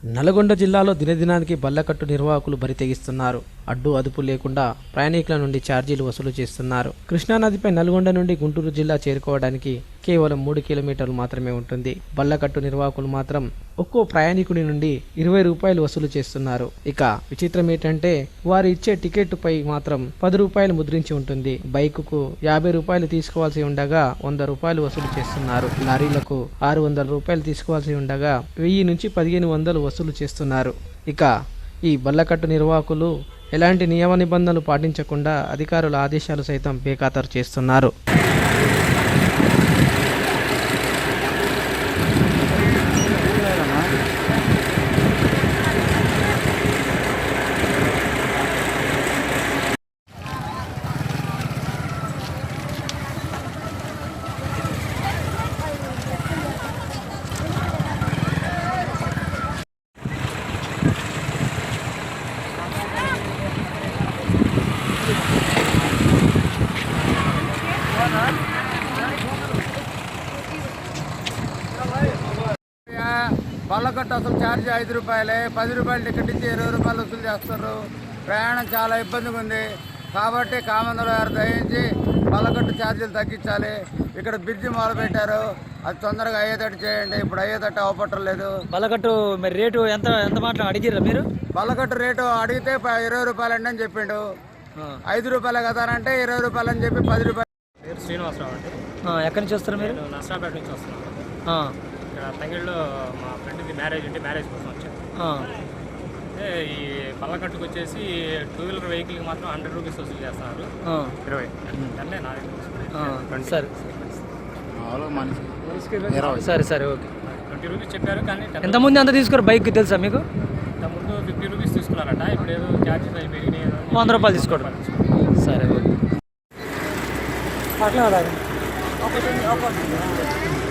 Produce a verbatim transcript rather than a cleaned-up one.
నల్గొండ జిల్లాలో దినదినానికి బల్లకట్టు నిర్వాహకులు బరి తెగిస్తున్నారు. అడ్డు అదుపు లేకుండా ప్రయాణికుల నుండి ఛార్జీలు వసూలు చేస్తున్నారు. కృష్ణానదిపై నల్గొండ నుండి గుంటూరు జిల్లా చేరుకోవడానికి కేవలం మూడు కిలోమీటర్లు మాత్రమే ఉంటుంది. బల్లకట్టు నిర్వాహకులు మాత్రం ఒక్కో ప్రయాణికుడి నుండి ఇరవై రూపాయలు వసూలు చేస్తున్నారు. ఇక విచిత్రం ఏంటంటే వారు ఇచ్చే టికెట్ పై మాత్రం పది రూపాయలు ముద్రించి ఉంటుంది. బైకుకు యాభై రూపాయలు తీసుకోవాల్సి ఉండగా వంద రూపాయలు వసూలు చేస్తున్నారు. లారీలకు ఆరు వందల రూపాయలు తీసుకోవాల్సి ఉండగా వెయ్యి నుంచి పదిహేను వందలు వసూలు చేస్తున్నారు. ఇక ఈ బల్లకట్టు నిర్వాహకులు ఎలాంటి నియమ నిబంధనలు పాటించకుండా అధికారుల ఆదేశాలు సైతం బేఖాతరు చేస్తున్నారు. బల్లకట్టు అసలు ఛార్జ్ ఐదు రూపాయలే, పది రూపాయలు టికెట్ ఇచ్చి ఇరవై రూపాయలు వసూలు చేస్తారు. ప్రయాణం చాలా ఇబ్బందిగా ఉంది కాబట్టి కామందల గారు దయించి బల్లకట్టు ఛార్జీలు తగ్గించాలి. ఇక్కడ బ్రిడ్జి మొదలు పెట్టారు, అది తొందరగా అయ్యేటట్టు చేయండి. ఇప్పుడు అయ్యేటట్టు అవపట్టలేదు. బల్లకట్టు మరి రేటు ఎంత ఎంత మాత్రం అడిగిర్రా మీరు? బల్లకట్టు రేటు అడిగితే ఇరవై రూపాయలు అండి అని చెప్పిండు. ఐదు రూపాయలు కదా అంటే ఇరవై రూపాయలు అని చెప్పి పది రూపాయలు. పేరు శ్రీనివాసరావు అండి. ఎక్కడి నుంచి వస్తారు మీరు? నర్సాపేట నుంచి వస్తున్నాను. ఇక్కడ తంగిళ్ళలో మా ఫ్రెండ్ది మ్యారేజ్ ఉంటే మ్యారేజ్ కోసం వచ్చాను. అంటే ఈ బల్లకట్టుకు వచ్చేసి టూ వీలర్ వెహికల్కి మాత్రం హండ్రెడ్ రూపీస్ వసూలు చేస్తున్నారు. ఇరవై అంటే నా సరే సరే సరే ఓకే. ట్వంటీ రూపీస్ చెప్పారు కానీ ఎంతమంది అంత తీసుకున్నారు బైక్ తెలుసా మీకు? ఇంతకుముందు ఫిఫ్టీ రూపీస్ తీసుకున్నారట, ఇప్పుడు ఏదో ఛార్జెస్ అవి పెరిగినాయి. వంద రూపాయలు తీసుకోవడం. సరే ఓకే. అట్లా